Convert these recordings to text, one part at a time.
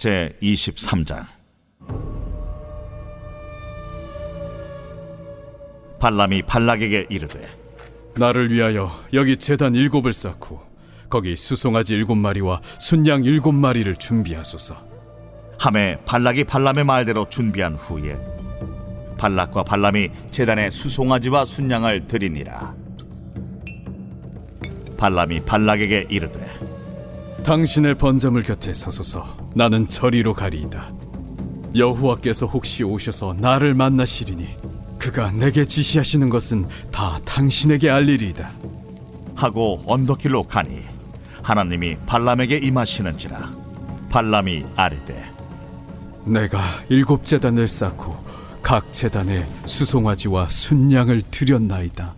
제23장. 발람이 발락에게 이르되, 나를 위하여 여기 제단 7을 쌓고 거기 수송아지 7마리와 순양 7마리를 준비하소서. 하매 발락이 발람의 말대로 준비한 후에 발락과 발람이 제단에 수송아지와 순양을 드리니라. 발람이 발락에게 이르되, 당신의 번제물 곁에 서소서. 나는 저리로 가리이다. 여호와께서 혹시 오셔서 나를 만나시리니 그가 내게 지시하시는 것은 다 당신에게 알리리이다 하고 언덕길로 가니 하나님이 발람에게 임하시는지라. 발람이 아뢰되, 내가 7제단을 쌓고 각 제단에 수송아지와 순양을 드렸나이다.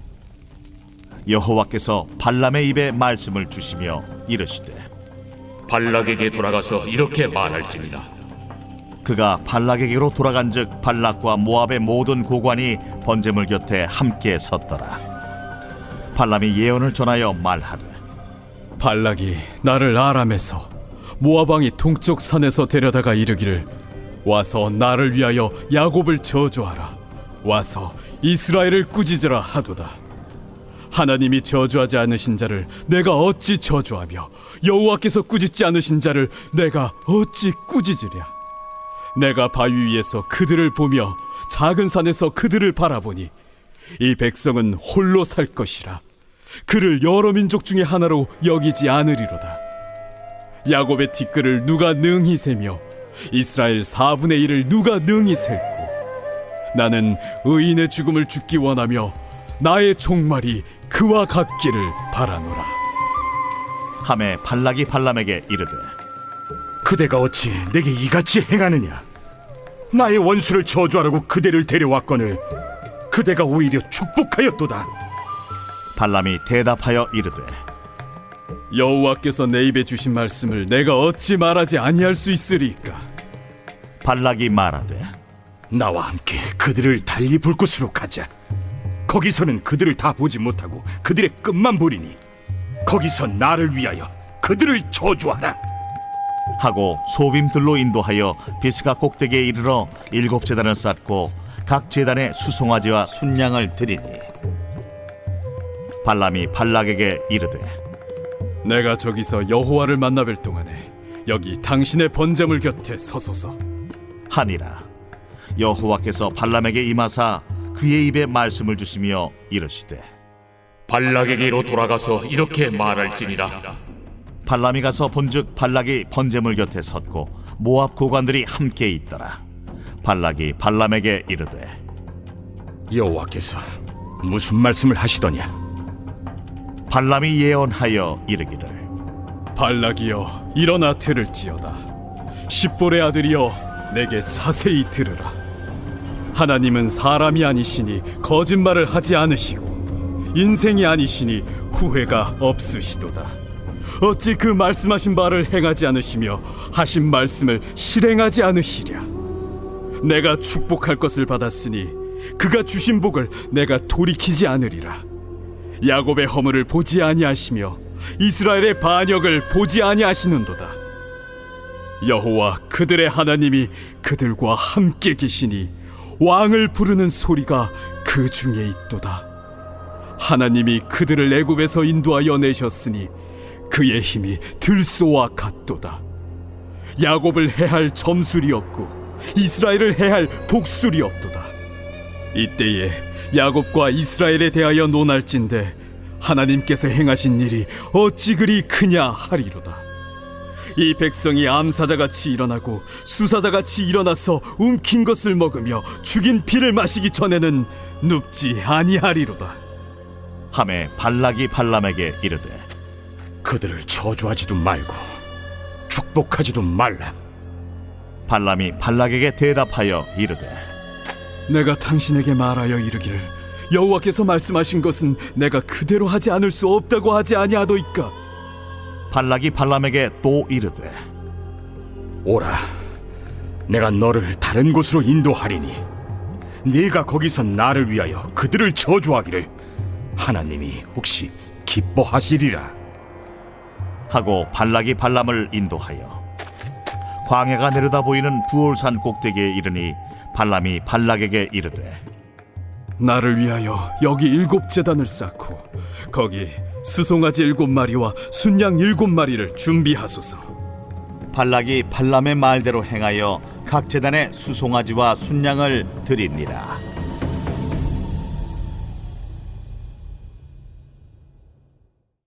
여호와께서 발람의 입에 말씀을 주시며 이르시되, 발락에게 돌아가서 이렇게 말할지니라. 그가 발락에게로 돌아간즉 발락과 모압의 모든 고관이 번제물 곁에 함께 섰더라. 발람이 예언을 전하여 말하되, 발락이 나를 아람에서 모압 왕이 동쪽 산에서 데려다가 이르기를, 와서 나를 위하여 야곱을 저주하라, 와서 이스라엘을 꾸짖으라 하도다. 하나님이 저주하지 않으신 자를 내가 어찌 저주하며 여호와께서 꾸짖지 않으신 자를 내가 어찌 꾸짖으랴. 내가 바위 위에서 그들을 보며 작은 산에서 그들을 바라보니 이 백성은 홀로 살 것이라. 그를 여러 민족 중에 하나로 여기지 않으리로다. 야곱의 티끌을 누가 능히 세며 이스라엘 4분의 1을 누가 능히 셀고, 나는 의인의 죽음을 죽기 원하며 나의 종말이 그와 같기를 바라노라. 하매 발락이 발람에게 이르되, 그대가 어찌 내게 이같이 행하느냐? 나의 원수를 저주하라고 그대를 데려왔거늘 그대가 오히려 축복하였도다. 발람이 대답하여 이르되, 여호와께서 내 입에 주신 말씀을 내가 어찌 말하지 아니할 수 있으리까? 발락이 말하되, 나와 함께 그들을 달리 볼 곳으로 가자. 거기서는 그들을 다 보지 못하고 그들의 끝만 보리니 거기서 나를 위하여 그들을 저주하라. 하고 소빔들로 인도하여 비스가 꼭대기에 이르러 7제단을 쌓고 각 제단에 수송아지와 순양을 드리니, 발람이 발락에게 이르되, 내가 저기서 여호와를 만나뵐 동안에 여기 당신의 번제물 곁에 서소서. 하니라. 여호와께서 발람에게 임하사 그의 입에 말씀을 주시며 이르시되, 발락에게로 돌아가서 이렇게 말할지니라. 발람이 가서 본즉 발락이 번제물 곁에 섰고 모압 고관들이 함께 있더라. 발락이 발람에게 이르되, 여호와께서 무슨 말씀을 하시더냐? 발람이 예언하여 이르기를, 발락이여, 일어나 들을지어다. 십볼의 아들이여, 내게 자세히 들으라. 하나님은 사람이 아니시니 거짓말을 하지 않으시고 인생이 아니시니 후회가 없으시도다. 어찌 그 말씀하신 바를 행하지 않으시며 하신 말씀을 실행하지 않으시랴. 내가 축복할 것을 받았으니 그가 주신 복을 내가 돌이키지 않으리라. 야곱의 허물을 보지 아니하시며 이스라엘의 반역을 보지 아니하시는도다. 여호와 그들의 하나님이 그들과 함께 계시니 왕을 부르는 소리가 그 중에 있도다. 하나님이 그들을 애굽에서 인도하여 내셨으니 그의 힘이 들소와 같도다. 야곱을 해할 점술이 없고 이스라엘을 해할 복술이 없도다. 이때에 야곱과 이스라엘에 대하여 논할진대 하나님께서 행하신 일이 어찌 그리 크냐 하리로다. 이 백성이 암사자같이 일어나고 수사자같이 일어나서 움킨 것을 먹으며 죽인 피를 마시기 전에는 눕지 아니하리로다. 하매 발락이 발람에게 이르되, 그들을 저주하지도 말고 축복하지도 말라. 발람이 발락에게 대답하여 이르되, 내가 당신에게 말하여 이르기를 여호와께서 말씀하신 것은 내가 그대로 하지 않을 수 없다고 하지 아니하도이까? 발락이 발람에게 또 이르되, 오라, 내가 너를 다른 곳으로 인도하리니 네가 거기서 나를 위하여 그들을 저주하기를 하나님이 혹시 기뻐하시리라. 하고 발락이 발람을 인도하여 광야가 내려다 보이는 부올산 꼭대기에 이르니 발람이 발락에게 이르되 나를 위하여 여기 7제단을 쌓고 거기 수송아지 7마리와 순양 7마리를 준비하소서. 발락이 발람의 말대로 행하여 각 제단에 수송아지와 순양을 드립니다.